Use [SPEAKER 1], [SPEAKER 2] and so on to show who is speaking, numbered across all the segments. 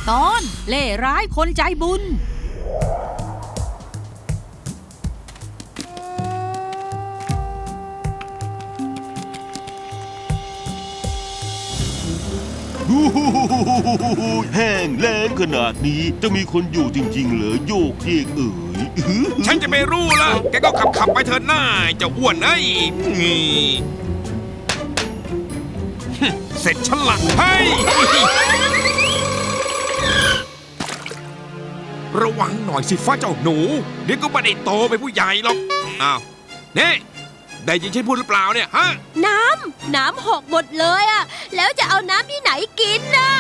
[SPEAKER 1] ตอนเล่ร้ายคนใจบุญ
[SPEAKER 2] แห้งแล้งขนาดนี้จะมีคนอยู่จริงๆเหรอโยกเยกเอ๋ย
[SPEAKER 3] ฉันจะไม่รู้ละแกก็ขับไปเถิดหน้าเจ้าอ้วนเอ้ยเสร็จฉันละเฮ้ยระวังหน่อยสิฟ้าเจ้าหนูเดี๋ยวก็ไม่ได้โตเป็นผู้ใหญ่หรอกอ้าวนี่ได้ยินฉันพูดหรือเปล่าเนี่ยฮะ
[SPEAKER 4] น้ำหกหมดเลยอะแล้วจะเอาน้ำที่ไหนกินน่ะ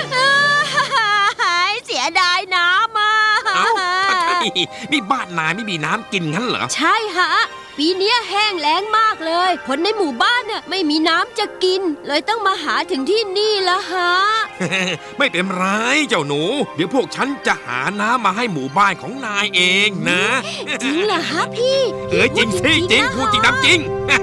[SPEAKER 4] เสียดายน้ำอ่ะ
[SPEAKER 3] เอ้านี่บ้านนายไม่มีน้ำกินงั้นเหรอ
[SPEAKER 4] ใช่ฮะปีนี้แห้งแล้งมากเลยคนในหมู่บ้านน่ะไม่มีน้ำจะกินเลยต้องมาหาถึงที่นี่ละฮะ
[SPEAKER 3] ไม่เป็นไรเจ้าหนู เดี๋ยวพวกฉันจะหาน้ำมาให้หมู่บ้านของนายเองนะ
[SPEAKER 4] จริงเหรอฮะพี่
[SPEAKER 3] จริงสิจริงพูดจริงน้ำจริง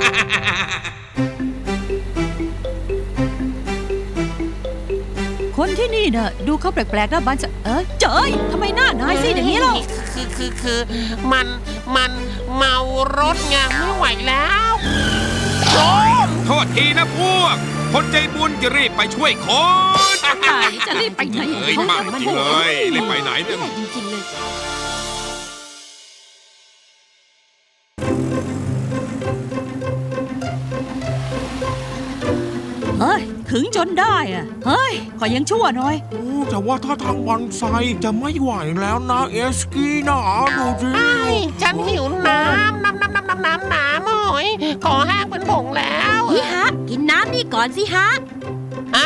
[SPEAKER 1] คนที่นี่น่ะดูเขาแปลกๆนะบ้านจะเจ้ยทำไมหน้านายซีดอย่างนี้ล่ะ
[SPEAKER 5] คือมันเมารถไงไม่ไหวแล้วโอ้
[SPEAKER 3] โทษทีนะพวก คนใจบุญจะรีบไปช่วยคน
[SPEAKER 1] นายจะรีบไปไหน
[SPEAKER 3] เฮ้ยมาจริงเลยรีบไปไหนเนี่ย
[SPEAKER 4] จริงๆเลย
[SPEAKER 1] เฮ้ยถึงจนได้อะเฮ้ยขอยังชั่วหน่อย
[SPEAKER 6] โอ้แต่ว่าถ้าทางวันไซจะไม่ไหวแล้วนะเอสกี้นะดูสิ
[SPEAKER 5] ฉันหิวน้ำโอ้ยขอแห้งเป็นผงแล้ว
[SPEAKER 4] พี่ฮะกินน้ำนี่ก่อนสิฮะ
[SPEAKER 5] อะ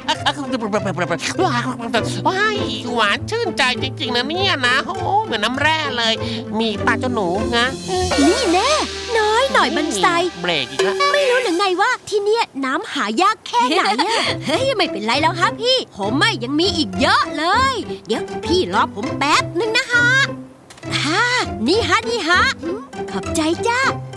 [SPEAKER 5] ว้ายหวานชื่นใจจริงๆนะเนี่ยนะโอ้เหมือนน้ำแร่เลย มีปลาเจ้าหนูนะ
[SPEAKER 4] นี่แน่น้อยหน่อยมันใส
[SPEAKER 5] เบรกอีกแล้ว
[SPEAKER 4] ไม่รู้หรือไงว่าที่เนี่ยน้ำหายากแค่ไหนอะ เฮ้ยไม่เป็นไรแล้วฮะพี่ ผมไม่ยังมีอีกเยอะเลย เดี๋ยวพี่รอผมแป๊บนึงนะฮะนี่ฮะขอบใจจ้า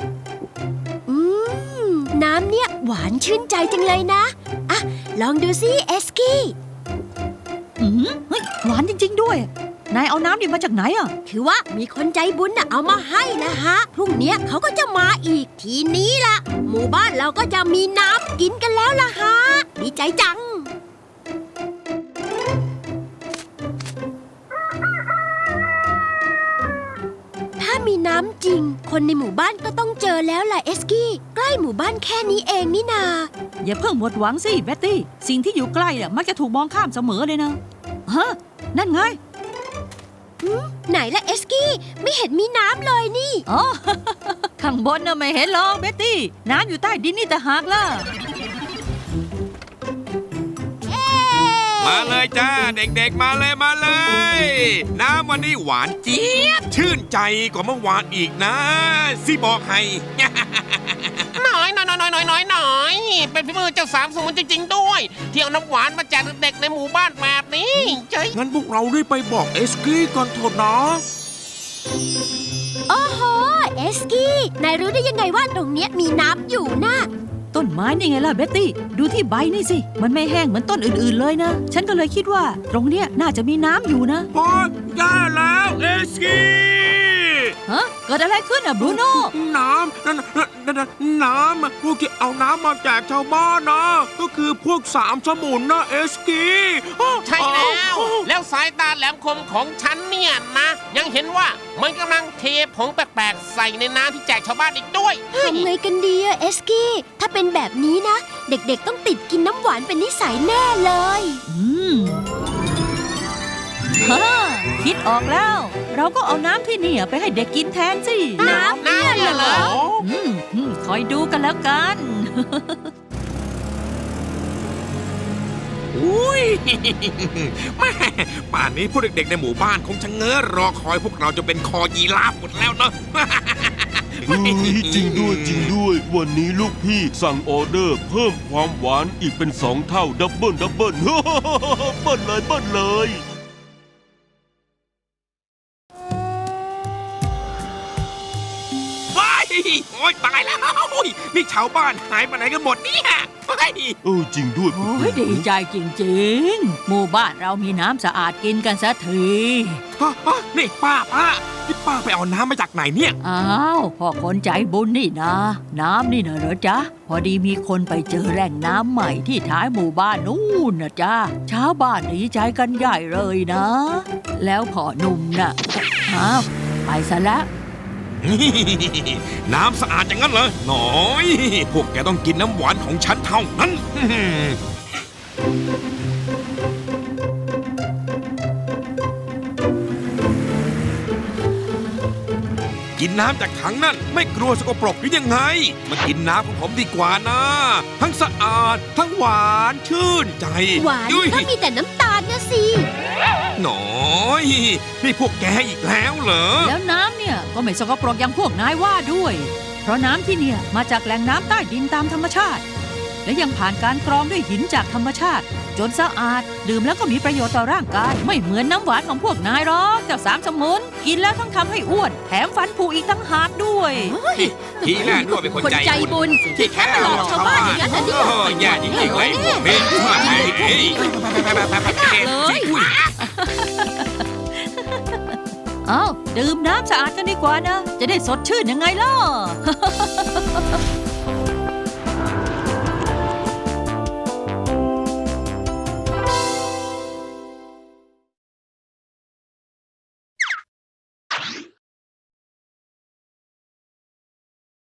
[SPEAKER 4] น้ำเนี่ยหวานชื่นใจจังเลยนะอ่ะลองดูสิเอสกี้
[SPEAKER 1] เฮ้ยหวานจริงๆด้วยนายเอาน้ำดิบมาจากไหนอ่ะ
[SPEAKER 4] คือว่ามีคนใจบุญน่ะเอามาให้นะฮะพรุ่งเนี้ยเขาก็จะมาอีกทีนี้ล่ะหมู่บ้านเราก็จะมีน้ำกินกันแล้วล่ะฮะดีใจจังถ้ามีน้ำจริงคนในหมู่บ้านก็ต้องเจอแล้วล่ะเอสกี้ใกล้หมู่บ้านแค่นี้เองนี่นา
[SPEAKER 1] อย่าเพิ่งหมดหวังสิเบ็ตตี้สิ่งที่อยู่ใกล้น่ะมักจะถูกมองข้ามเสมอเลยนะฮะนั่นไง
[SPEAKER 4] ไหนล่ะเอสกี้ไม่เห็นมีน้ำเลยนี่
[SPEAKER 1] อ๋อ ข้างบนน่ะไม่เห็นหรอกเบ็ตตี้น้ำอยู่ใต้ดินนี่แต่หากล่ะ
[SPEAKER 3] มาเลยจ้าเด็กๆมาเลย น้ำวันนี้หวานเจี๊ยบชื่นใจกว่าเมื่อวานอีกนะสิบอกให้
[SPEAKER 5] น้อยเป็นพี่มือเจ้าสามสมุนจริงๆด้วยที่เอาน้ำหวานมาแจกเด็กในหมู่บ้านแบบนี้เจ๊
[SPEAKER 6] งั้นพวกเรารีบไปบอกเอสกี้ก่อนเถอะนะ
[SPEAKER 4] โอ้โหเอสกี้นายรู้ได้ยังไงว่าตรงเนี้ยมีน้ำอยู่นะ
[SPEAKER 1] ต้นไม้นี่ไงล่ะเบ็ตตี้ดูที่ใบนี่สิมันไม่แห้งเหมือนต้นอื่นๆเลยนะฉันก็เลยคิดว่าตรงเนี้ยน่าจะมีน้ำอยู่นะ
[SPEAKER 6] โอ๊ยแย่แล้วเอสกี้
[SPEAKER 1] ฮะเกิดอะไรขึ้นอ่ะบรูโน่
[SPEAKER 6] น้ำพวกที่เอาน้ำมาแจกชาวบ้านนะก็คือพวกสามสมุนนะเอสกี้
[SPEAKER 5] ใช่แล้วสายตาแหลมคมของฉันเนี่ยนะยังเห็นว่ามันกำลังเทผงแปลกๆใส่ในน้ำที่แจกชาวบ้านอีกด้วย
[SPEAKER 4] ทำไงกันดีอะเอสกี้ถ้าเป็นแบบนี้นะ เด็กๆต้องติดกินน้ำหวานเป็นนิสัยแน่เลย
[SPEAKER 1] ฮ่าคิดออกแล้ว เราก็เอาน้ำที่นี่ไปให้เด็กกินแทนสิ
[SPEAKER 5] น้ำเนี่ยเหรอ
[SPEAKER 1] คอยดูกันแล้วกัน
[SPEAKER 3] อุ้ย แม่ป่านนี้พวกเด็กๆในหมู่บ้านคงชะเง้อรอคอยพวกเราจะเป็นคอยีราฟหมดแล้วเนาะ
[SPEAKER 2] เฮ้ยจริงด้วย วันนี้ลูกพี่สั่งออเดอร์เพิ่มความหวานอีกเป็น2 เท่าดับเบิล เบิ้ลเลย
[SPEAKER 3] โอ๊ยตายแล้วนี่ชาวบ้านหายไปไหนกันหมดเนี่ย
[SPEAKER 2] จริงด้วย
[SPEAKER 1] โอ้ยดีใจจริงๆ หมู่บ้านเรามีน้ำสะอาดกินกันสักที
[SPEAKER 3] นี่ป้านี่ป้าไปเอาน้ำมาจากไหนเนี่ย
[SPEAKER 1] อ้าวพ่อคนใจบุญนี่นะ น้ำนี่นะเหรอจ๊ะ พอดีมีคนไปเจอแหล่งน้ำใหม่ที่ท้ายหมู่บ้านนู่นนะจ๊ะชาวบ้านดีใจกันใหญ่เลยนะ แล้วพ่อหนุ่มน่ะอ้าวไปซะแล้ว
[SPEAKER 3] น้ำสะอาดอย่างนั้นเหรอหน่อย พวกแกต้องกินน้ำหวานของฉันเท่านั้น กินน้ำจากถังนั่นไม่กลัวสกปรกหรือยังไง มากินน้ำของผมดีกว่านะ ทั้งสะอาด ทั้งหวานชื่นใจ
[SPEAKER 4] หวาน
[SPEAKER 3] อุ้ย
[SPEAKER 4] ก็มีแต่น้ำตาลนะสิ
[SPEAKER 3] หน่อยนี่พวกแกอีกแล้วเหรอ
[SPEAKER 1] แล้วน้ำเนี่ยก็ไม่สกปรกอย่างพวกนายว่าด้วย เพราะน้ำที่เนี่ยมาจากแหล่งน้ำใต้ดินตามธรรมชาติ และยังผ่านการกรองด้วยหินจากธรรมชาติ จนสะอาดดื่มแล้วก็มีประโยชน์ต่อร่างกาย ไม่เหมือนน้ำหวานของพวกนายหรอกเจ้าสามสมุนกินแล้วทั้งทำให้อ้วน แถมฟันผุอีกทั้งหากด้วย
[SPEAKER 3] ทีแรกนึกว่าเป็นคน
[SPEAKER 4] คนใจ
[SPEAKER 3] ใจบุญ
[SPEAKER 4] บุญ
[SPEAKER 3] ที่แท้
[SPEAKER 4] หลอกชาวบ้านอย่างนั้นนะเนี่ย
[SPEAKER 3] แย่จริงๆเลยพวกเป็นมาไงเลย
[SPEAKER 1] เอาดื่มน้ำสะอาดกันดีกว่านะ จะได้สดชื่นยังไงล่ะ